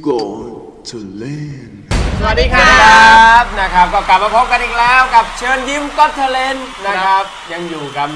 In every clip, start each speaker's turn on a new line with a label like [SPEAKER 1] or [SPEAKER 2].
[SPEAKER 1] Got to Land
[SPEAKER 2] สวัสดีครับนะครับก็กลับมาพบกันอีกแล้วกับเชิญยิ้มก็เทเลนนะครับยังอยู่กัน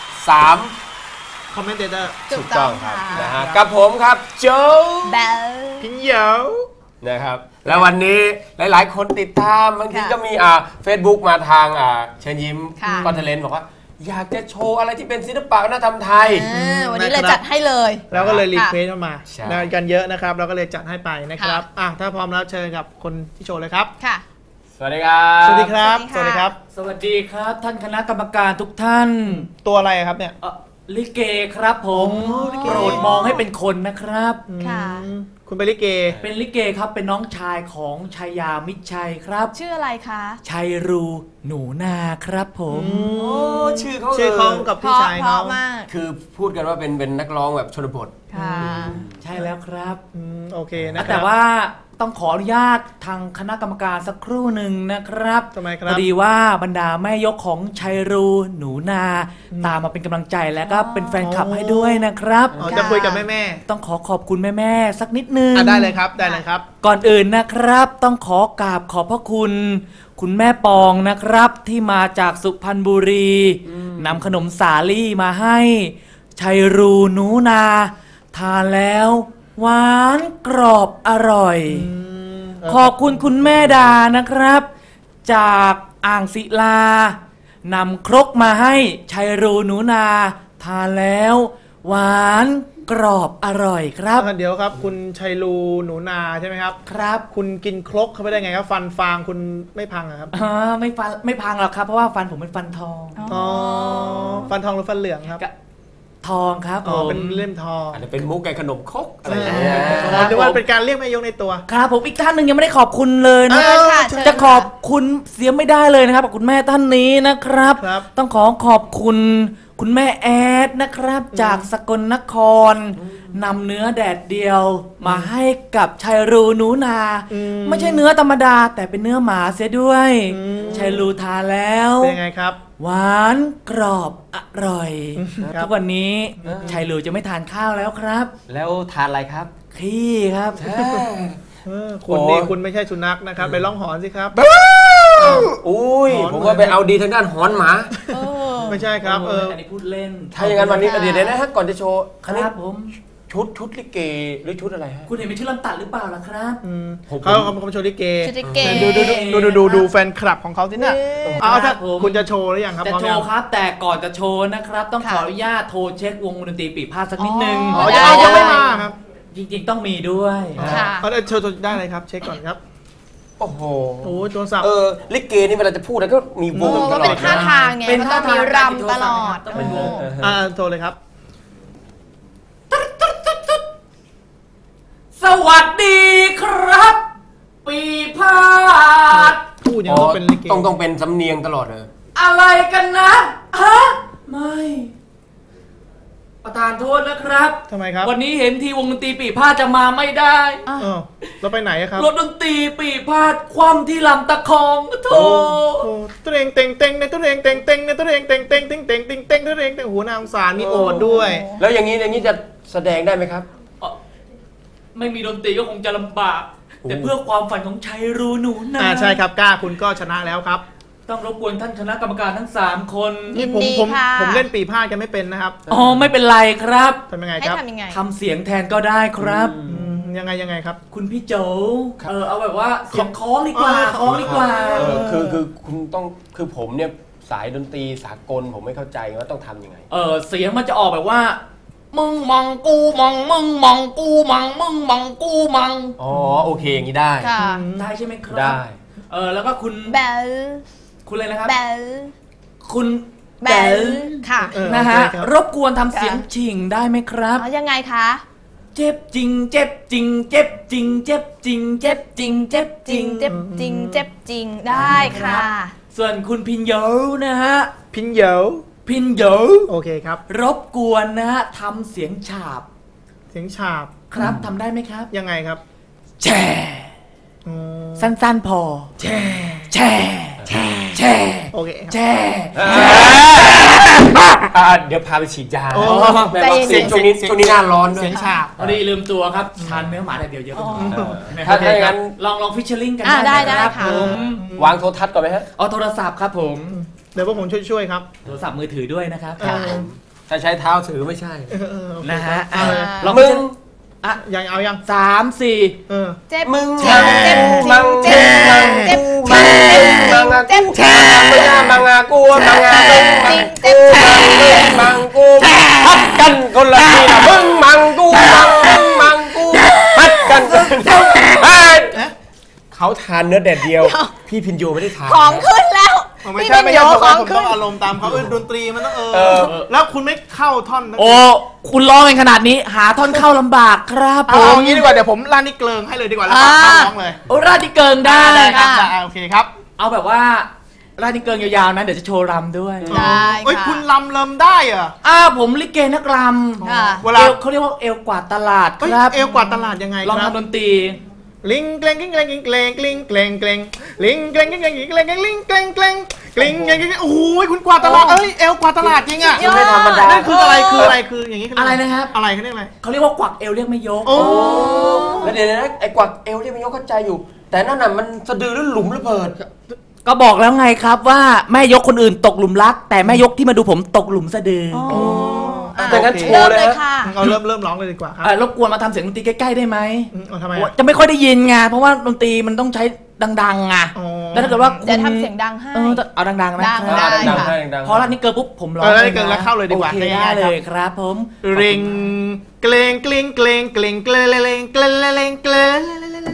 [SPEAKER 2] 3
[SPEAKER 3] คอมเมนเตอร์
[SPEAKER 2] ถูกต้องครับนะฮะกับผมครับโจ
[SPEAKER 4] เบล
[SPEAKER 3] พิงเหยา
[SPEAKER 2] นะครับแล้ววันนี้หลายๆคนติดตามบางทีก็มีFacebook มาทางเชิญยิ้มก็เทเลนบอกว่าอยากจะโชว์อะไรที่เป็นศิลปะวัฒนธรรมไทย
[SPEAKER 4] วันนี้เลยจัดให้เลย
[SPEAKER 3] แล้วก็เลยรีเควสเข้ามากันเยอะนะครับเราก็เลยจัดให้ไปนะครับถ้าพร้อมแล้วเชิญกับคนที่โชว์เลยครับ
[SPEAKER 4] ค่ะ
[SPEAKER 2] สวัสดีครับ
[SPEAKER 3] สวัสดีครับสวัสดีครับ
[SPEAKER 5] สวัสดีครับท่านคณะกรรมการทุกท่าน
[SPEAKER 3] ตัวอะไรครับเนี่ย
[SPEAKER 5] ลิเกครับผมโปรดมองให้เป็นคนนะครับ
[SPEAKER 4] ค่ะ
[SPEAKER 3] คุณเป็นลิเก
[SPEAKER 5] เป็นลิเกครับเป็นน้องชายของชัยยามิตรชัยครับ
[SPEAKER 4] ชื่ออะไรคะ
[SPEAKER 5] ชัยรูหนูนาครับผม
[SPEAKER 2] ชื่อ
[SPEAKER 3] เขากับพี่ชายเขา
[SPEAKER 2] คือพูดกันว่าเป็นนักร้องแบบชนบท
[SPEAKER 4] ค่ะ
[SPEAKER 5] ใช่แล้วครับ
[SPEAKER 3] โอเคนะ
[SPEAKER 5] แต่ว่าต้องขออนุญาตทางคณะกรรมการสักครู่หนึ่งนะครับ
[SPEAKER 3] ทำไมครับ
[SPEAKER 5] พอดีว่าบรรดาแม่ยกของชัยรูหนูนาตามมาเป็นกำลังใจแล้วก็เป็นแฟนคลับให้ด้วยนะครับ
[SPEAKER 3] จะคุยกับแม่
[SPEAKER 5] ต้องขอบคุณแม่สักนิดนึง
[SPEAKER 3] ได้เลยครับได้เลยครับ
[SPEAKER 5] ก่อนอื่นนะครับต้องขอกราบขอบพระคุณแม่ปองนะครับที่มาจากสุพรรณบุรีนำขนมสาลี่มาให้ชัยรูหนูนาทานแล้วหวานกรอบอร่อยขอบคุณคุณแม่ดานะครับจากอ่างศิลานำครกมาให้ชัยรูหนูนาทานแล้วหวานกรอบอร่อยครับ
[SPEAKER 3] เดี๋ยวครับคุณชัยรูหนูนาใช่ไหมครับ
[SPEAKER 5] ครับ
[SPEAKER 3] คุณกินครกเข้าไปได้ไงครับฟันฟางคุณไม่พังครับ
[SPEAKER 5] ไม่พังหรอกครับเพราะว่าฟันผมเป็นฟันทอง
[SPEAKER 3] ฟันทองหรือฟันเหลืองครับ
[SPEAKER 5] ทองครับ
[SPEAKER 3] เป็นเล่มทอง
[SPEAKER 2] อาจจะเป็นมุกไก่ขนมครกอะไรอย่างเงี้ย
[SPEAKER 3] หรือว่าเป็นการเรียกแม่ยกในตัว
[SPEAKER 5] ครับผมอีกท่านหนึ่งยังไม่ได้ขอบคุณเลยนะจะขอบคุณเสียไม่ได้เลยนะครับคุณแม่ท่านนี้นะครับต้องขอบคุณคุณแม่แอดนะครับจากสกลนครนำเนื้อแดดเดียวมาให้กับชัยรูหนูนาไม่ใช่เนื้อธรรมดาแต่เป็นเนื้อหมาเสียด้วยชัยรูทานแล้ว
[SPEAKER 3] เป็นไงครับ
[SPEAKER 5] หวานกรอบอร่อยทุกวันนี้ชัยรูจะไม่ทานข้าวแล้วครับ
[SPEAKER 2] แล้วทานอะไรครับ
[SPEAKER 5] ขี้ครับ
[SPEAKER 3] คุณไม่ใช่สุนัขนะครับไปร้องหอนสิครับ
[SPEAKER 2] อุ้ยผมว่าไปเอาดีทางด้านหอนหมา
[SPEAKER 3] ไม่ใช่ครับ
[SPEAKER 5] อันนี้พูดเล่น
[SPEAKER 2] ถ้าอย่างนั้นวันนี้เดี๋ยวนะฮะก่อนจะโชว์
[SPEAKER 5] ครับผม
[SPEAKER 2] ชุดลิเกหรือชุดอะไรฮะ
[SPEAKER 5] คุณเห็นเป็นชุดลำตัดหรือเปล่าล่ะครับ
[SPEAKER 3] เขาโชว์ลิเกดูแฟนคลับของเขาที่น่ะถ้าคุณจะโชว์หรือยังครับ
[SPEAKER 5] จะโชว์ครับแต่ก่อนจะโชว์นะครับต้องขออนุญาตโทรเช็ควงดนตรีปีพาดสักนิดนึง
[SPEAKER 3] ยังไม่มาครับ
[SPEAKER 5] จริงๆต้องมีด้วย
[SPEAKER 3] เขาจะโชว์ได้เลยครับเช็คก่อนครับ
[SPEAKER 2] โอ้โห
[SPEAKER 3] ตัวสับ
[SPEAKER 2] ลิเกนี่เวลาจะพูดแล้วก็มีวงตลอด
[SPEAKER 4] เป็นท่าทางไงเป็นท่าทางรำตลอด
[SPEAKER 5] ต้องเป็นวง
[SPEAKER 3] โทรเลยครับ
[SPEAKER 5] สวัสดีครับปีพาด
[SPEAKER 3] พูดอย่างนี้เป็นลิเก
[SPEAKER 2] ต้องเป็นสำเนียงตลอดเลย
[SPEAKER 5] อะไรกันนะฮะไม่ประธานโทษนะครับ
[SPEAKER 3] ทำไมครับ
[SPEAKER 5] วันนี้เห็นทีวงดนตรีปีพาดจะมาไม่ได้
[SPEAKER 3] เราไปไหนครับ
[SPEAKER 5] รถดนตรีปีพาดคว่ำที่ลำตะคองโถ
[SPEAKER 3] ตัวเองเต็งในตัวเองเต็งในตัวเองเต็งตัวเองหัวนาสารมีโอดด้วย
[SPEAKER 2] แล้วอย่างนี้จะแสดงได้ไหมครับ
[SPEAKER 5] ไม่มีดนตรีก็คงจะลำบากแต่เพื่อความฝันของชัยรูหนูนา
[SPEAKER 3] ใช่ครับกล้าคุณก็ชนะแล้วครับ
[SPEAKER 5] ต้องรบกวนท่านคณะกรรมการทั้ง3คน
[SPEAKER 4] ยินดีค่ะ
[SPEAKER 3] ผมเล่นปีพาดกันไม่เป็นนะครับ
[SPEAKER 5] ไม่เป็นไรครับ
[SPEAKER 3] ทำยังไงครับ
[SPEAKER 5] ทำเสียงแทนก็ได้ครับ
[SPEAKER 3] ยังไงครับ
[SPEAKER 5] คุณพี่โจเอาแบบว่าเสียงคล้องดีกว่า
[SPEAKER 2] คือคุณต้องคือผมเนี่ยสายดนตรีสากลผมไม่เข้าใจว่าต้องทำยังไง
[SPEAKER 5] เสียงมันจะออกแบบว่ามึงมองกูมองมึงมองกูมองมึงมองกูมอง
[SPEAKER 2] โอเคอย่างนี้ได้
[SPEAKER 5] ได้ใช่ไหมครับ
[SPEAKER 2] ได้
[SPEAKER 5] แล้วก็คุณ
[SPEAKER 4] เบล
[SPEAKER 5] คุณอะไรนะครับ
[SPEAKER 4] เบล
[SPEAKER 5] คุณ
[SPEAKER 4] เบลค่ะ
[SPEAKER 5] นะฮะรบกวนทำเสียงฉิงได้ไหมครับ
[SPEAKER 4] ยังไงคะ
[SPEAKER 5] เจ็บจริงเจ็บจริงเจ็บจริงเจ็บจริงเจ็บจริงเจ็บจริง
[SPEAKER 4] เจ็บจริงเจ็บจริงได้ค่ะ
[SPEAKER 5] ส่วนคุณพินโยนะฮะ
[SPEAKER 3] พินโยโอเคครับ
[SPEAKER 5] รบกวนนะฮะทำเสียงฉาบครับทำได้ไหมครับ
[SPEAKER 3] ยังไงครับ
[SPEAKER 5] แช่สั้นๆพอแช่โอเค
[SPEAKER 3] แช่
[SPEAKER 2] เดี๋ยวพาไปฉีดยา
[SPEAKER 3] โอ้
[SPEAKER 2] แม่บอกเสียงช่วงนี้หน้าร้อนด้วย
[SPEAKER 3] เสียงฉาบ
[SPEAKER 5] พอดีลืมตัวครับทานเนื้อหมาแต่เดียวเยอะไปหน่อย
[SPEAKER 2] ถ้าอย่างนั้น
[SPEAKER 5] ลองฟิชเชอร์ลิงกัน
[SPEAKER 4] ได้
[SPEAKER 5] นะครับ
[SPEAKER 4] ค่ะ
[SPEAKER 5] ผม
[SPEAKER 2] วางโทรทัศน์ก่อนไหมฮะ
[SPEAKER 5] เอาโทรศัพท์ครับผม
[SPEAKER 3] เดี๋ยวพวกผมช่วยๆครับ
[SPEAKER 5] โทรศัพท์มือถือด้วยนะครับ
[SPEAKER 2] ถ้าใช้เท้าถือไม่ใช่
[SPEAKER 5] นะฮะ
[SPEAKER 4] อ่า
[SPEAKER 5] ลอง
[SPEAKER 2] มึง
[SPEAKER 5] อ่ะ
[SPEAKER 3] ยังเอายัง
[SPEAKER 5] 3-4
[SPEAKER 3] เออ
[SPEAKER 4] เจ็บ
[SPEAKER 2] มึง
[SPEAKER 4] เจ็บเจ็บ
[SPEAKER 2] มัง
[SPEAKER 4] เจ็บเจ็บ
[SPEAKER 2] มัง
[SPEAKER 4] เจ็บ
[SPEAKER 2] มัง
[SPEAKER 4] เจ็บ
[SPEAKER 2] แช่มังอากูมังอากูมังกูพัดกันคนละทีนะมึงมังกูมังกูพัดกันเขาทานเนื้อแดดเดียว พี่พินโยไม่ได้ทาน
[SPEAKER 4] ของขึ้นแล้ว
[SPEAKER 3] ไม่
[SPEAKER 4] พี่
[SPEAKER 3] ใช่
[SPEAKER 4] เป็น
[SPEAKER 3] ไม่
[SPEAKER 4] โย
[SPEAKER 3] ใช่ผม
[SPEAKER 4] ข
[SPEAKER 3] ว่า
[SPEAKER 4] อง
[SPEAKER 3] ผม
[SPEAKER 4] ขึ้
[SPEAKER 3] ต้อน งอารมณ์ตามเขาดนตรีมันต้องแล้วคุณไม่เข้าท่อนนั้น
[SPEAKER 5] โอ้คุณร้องกันขนาดนี้หาท่อนเข้าลำบากครับผ
[SPEAKER 3] เอา
[SPEAKER 5] ม
[SPEAKER 3] งี้ดีกว่าเดี๋ยวผมลั่นนี่เกลิงให้เลยดีกว่าแล้วก็ร้องเลย
[SPEAKER 5] โอ้ราดที่เกิงได้
[SPEAKER 3] ครับโอเคครับ
[SPEAKER 5] เอาแบบว่าราดที่เกิงยาวๆนะเดี๋ยวจะโชว์รำด้วย
[SPEAKER 4] ได้
[SPEAKER 3] เอ้ย
[SPEAKER 4] ค่ะ
[SPEAKER 3] คุณลำเลิมได้เหรอ
[SPEAKER 5] ผมลิเกนักร
[SPEAKER 4] ค่ะ
[SPEAKER 5] ำ
[SPEAKER 3] เวลา
[SPEAKER 5] เขาเรียกว่าเอวกวาดตลาด
[SPEAKER 3] เอ้ย
[SPEAKER 5] ครับ
[SPEAKER 3] เอวกว่าตลาดยังไง
[SPEAKER 5] ลอง
[SPEAKER 3] ครับ
[SPEAKER 5] ทำดนตรี
[SPEAKER 3] ลิงเกลงกิ้งเกลงกิ้งเกลงกลิ้งเกลงเกลงลิงเกลงกิ้งเกลงกิ้งเกลงลิงเกลงเกลงกลิ้งเกลงกิ้งโอ้โหคุณกว่าตลาดเอ้ยเอวกว่าตลาดจริงอ่ะ
[SPEAKER 4] สุดยอด
[SPEAKER 2] ไม่ธรรมดา
[SPEAKER 3] นั่นคืออะไรคืออย่างนี้
[SPEAKER 5] อะไรนะครับ
[SPEAKER 3] อะไรเขาเรียกอะไร
[SPEAKER 5] เขาเรียกว่ากวักเอวเรียกไม่ยก
[SPEAKER 3] โอ้
[SPEAKER 2] แล้วเดี๋ยวนะไอ้กวักเอวที่มันยกเข้าใจอยู่ แต่นั่นน่ะมันสะดือหรือหลุมระเบิด
[SPEAKER 5] ก็บอกแล้วไงครับว่าแม่ยกคนอื่นตกหลุมรัก แต่แม่ยกที่มาดูผมตกหลุมสะดือ
[SPEAKER 2] แต่งั้นโช
[SPEAKER 4] เริ่
[SPEAKER 2] ว์
[SPEAKER 4] ม
[SPEAKER 2] เลย
[SPEAKER 4] เลย
[SPEAKER 2] ฮะ
[SPEAKER 4] ค่ะ
[SPEAKER 3] เอาเริ่มร้องเลยดีกว่าครับ
[SPEAKER 5] รบกวนมาทำเสียงดนตรีใกล้ๆได้ไหม
[SPEAKER 3] เอาทำไม
[SPEAKER 5] จะไม่ค่อยได้ยินไงเพราะว่าดนตรีมันต้องใช้ดังๆไงแล้วถ้าเกิดว่า
[SPEAKER 4] เดี๋ยวทำเสียงดังให้
[SPEAKER 5] เอาดังๆนะ
[SPEAKER 4] ดัง
[SPEAKER 5] ครับ
[SPEAKER 4] ได้
[SPEAKER 2] ดัง
[SPEAKER 4] ค่ะ
[SPEAKER 2] ได้ดัง
[SPEAKER 5] พอรัดนี้เกินปุ๊บผมร้อง
[SPEAKER 3] แล้วนี่เกินแล้วเข้าเลยดีกว่า
[SPEAKER 5] โอเคได้เลยครับผม
[SPEAKER 3] ริงเกลงกลิ้งเกลงเกลงเกลงเกลงเกลงเกลงเกลง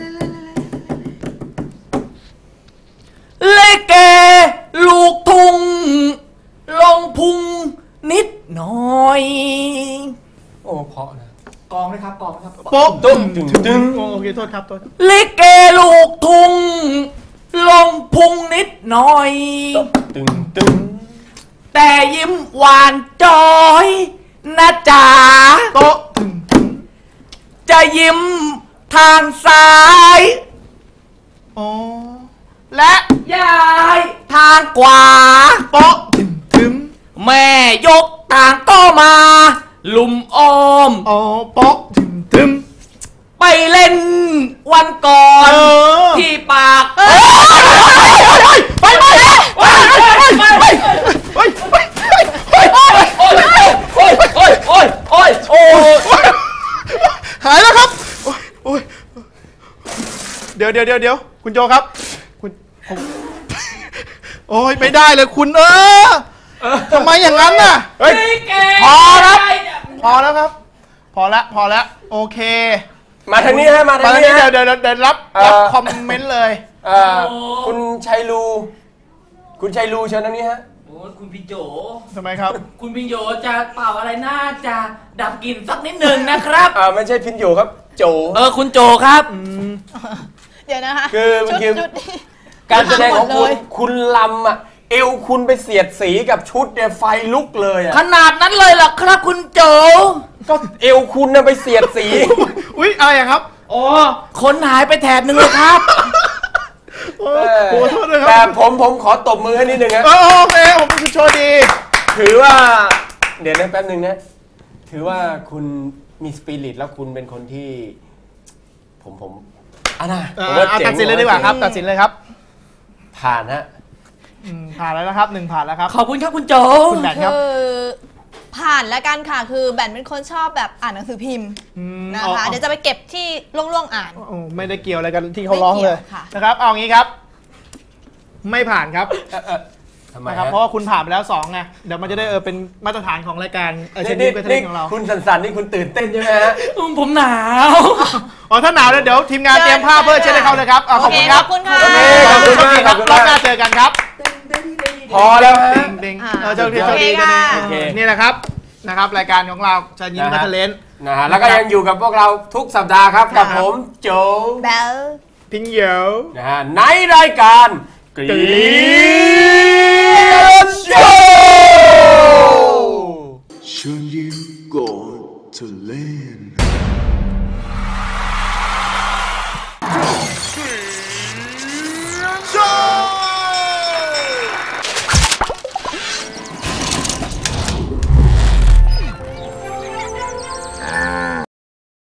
[SPEAKER 5] เลเกลูกทุ่งลงพุงนิดหน่อย
[SPEAKER 2] โอ้เพราะนะ
[SPEAKER 5] กองเลยครับกองครับ
[SPEAKER 3] โป๊ะ
[SPEAKER 2] ตึ้งตึ้งตึ้ง
[SPEAKER 3] โอเคโทษครับโทษ
[SPEAKER 5] เลเกลูกทุ่งลงพุงนิดหน่อย
[SPEAKER 2] ตึ้งตึ้ง
[SPEAKER 5] แต่ยิ้มหวานจอยนะจ๋า
[SPEAKER 3] โต๊ะ
[SPEAKER 5] จะยิ้มทางซ้าย
[SPEAKER 3] โอ้และ
[SPEAKER 5] ย้ายทางขวา
[SPEAKER 3] โป๊ะถึง
[SPEAKER 5] แม่ยกต่างก็มา ลุมอ้อม
[SPEAKER 3] โอ้โป๊ะถึง
[SPEAKER 5] ไปเล่นวันก่อน ที่ปาก
[SPEAKER 3] ไปไปโอ้ยหายแล้วครับโอ้ยเดี๋ยวคุณโจครับคุณโอ้ยไม่ได้เลยคุณทำไมอย่างนั้นน่ะเฮ้ยพอแล้วครับพอแล้วโอเค
[SPEAKER 2] มาทางนี้ฮะมาทางนี้
[SPEAKER 3] เดี๋
[SPEAKER 2] ฮะ
[SPEAKER 3] ยวรับคอมเมนต์เลย
[SPEAKER 2] คุณชัยรูเชิญทางนี้ฮะ
[SPEAKER 5] โอ้คุณพี่โจ
[SPEAKER 3] ทำไมครับ
[SPEAKER 5] คุณพี่โจจะเป่าอะไรน่าจะดับกลิ่นสักนิดหนึ่งนะครับ
[SPEAKER 2] ไม่ใช่พินโยครับโจ
[SPEAKER 5] คุณโจครับ
[SPEAKER 4] เดี๋ยวนะคะ
[SPEAKER 2] คือเมื่อกี้
[SPEAKER 4] ชุดนี้
[SPEAKER 2] การแสดงของ
[SPEAKER 4] หมดเลย
[SPEAKER 2] คุณลำอ่ะเอวคุณไปเสียดสีกับชุดเนี่ยไฟลุกเลยอ่ะ
[SPEAKER 5] ขนาดนั้นเลยเหรอครับคุณโจ
[SPEAKER 2] ก็เอวคุณน่ะไปเสียดสี
[SPEAKER 3] อุ๊ยอะไรครับ
[SPEAKER 5] อ๋อคนหายไปแถบหนึ่งเลยครับ
[SPEAKER 3] โอ้โหโทษด้วยค
[SPEAKER 2] แต่
[SPEAKER 3] รับ
[SPEAKER 2] ผมขอตบมือให้นิดนึงนะ
[SPEAKER 3] โอเคผมเป็นโชว์ดี
[SPEAKER 2] ถือว่าเดี๋ยวนะแป๊บนึงนะถือว่าคุณมีสปิริตแล้วคุณเป็นคนที่ผมนะผมว่าเจ๋ง
[SPEAKER 3] ตัดสินเลยดีกว่าครับตัดสินเลยครับ
[SPEAKER 2] ผ่านฮะ
[SPEAKER 3] ผ่านแล้วนะครับ1ผ่านแล้วครับ
[SPEAKER 5] ขอบคุณครับคุณโจ
[SPEAKER 3] คุณแบทครับ
[SPEAKER 4] คือผ่านแล้วกันค่ะ คือแบนเป็นคนชอบแบบอ่านหนังสือพิมพ์นะคะ เดี๋ยวจะไปเก็บที่ล่วงๆอ่าน
[SPEAKER 3] โอ้ไม่ได้เกี่ยวอะไรกันที่เขาร้องเลย
[SPEAKER 4] ไม่เกี่ยวค่ะ
[SPEAKER 3] นะครับเอางี้ครับ ไม่ผ่านครับ
[SPEAKER 2] ทำไม
[SPEAKER 3] นะครับ
[SPEAKER 2] ฮะ
[SPEAKER 3] เพราะว่าคุณผ่านไปแล้ว2ไงเดี๋ยวมันจะได้เป็นมาตรฐานของรายการเชนนี่เป็นเทนของเรา
[SPEAKER 2] คุณสันนี่คุณตื่นเต้นใช่ไหมฮะ
[SPEAKER 5] ผมหนาว
[SPEAKER 3] อ๋อถ้าหนาวแล้วเดี๋ยวทีมงานเตรียมผ้าเพื่อเช็ดให้เขาเลยครับขอบคุณครับ
[SPEAKER 4] ขอบคุณค่ะ
[SPEAKER 2] โอเคขอบคุณมาก
[SPEAKER 3] ครับรอบหน้าเจอกันครับ
[SPEAKER 2] พอแล้วฮะ
[SPEAKER 3] เด้งเจ้าที่เจ้าดี
[SPEAKER 4] โอเค
[SPEAKER 3] นี่แหละครับรายการของเราเชนยิ้มบัตเทเลน
[SPEAKER 2] นะฮะแล้วก็ยังอยู่กับพวกเราทุกสัปดาห์ครับกับผมโจ
[SPEAKER 4] แบล
[SPEAKER 3] พิงเหยว
[SPEAKER 2] นะฮะในรายการกรีนโชว์
[SPEAKER 1] เชิญยิ้มก่อนเธอเล่น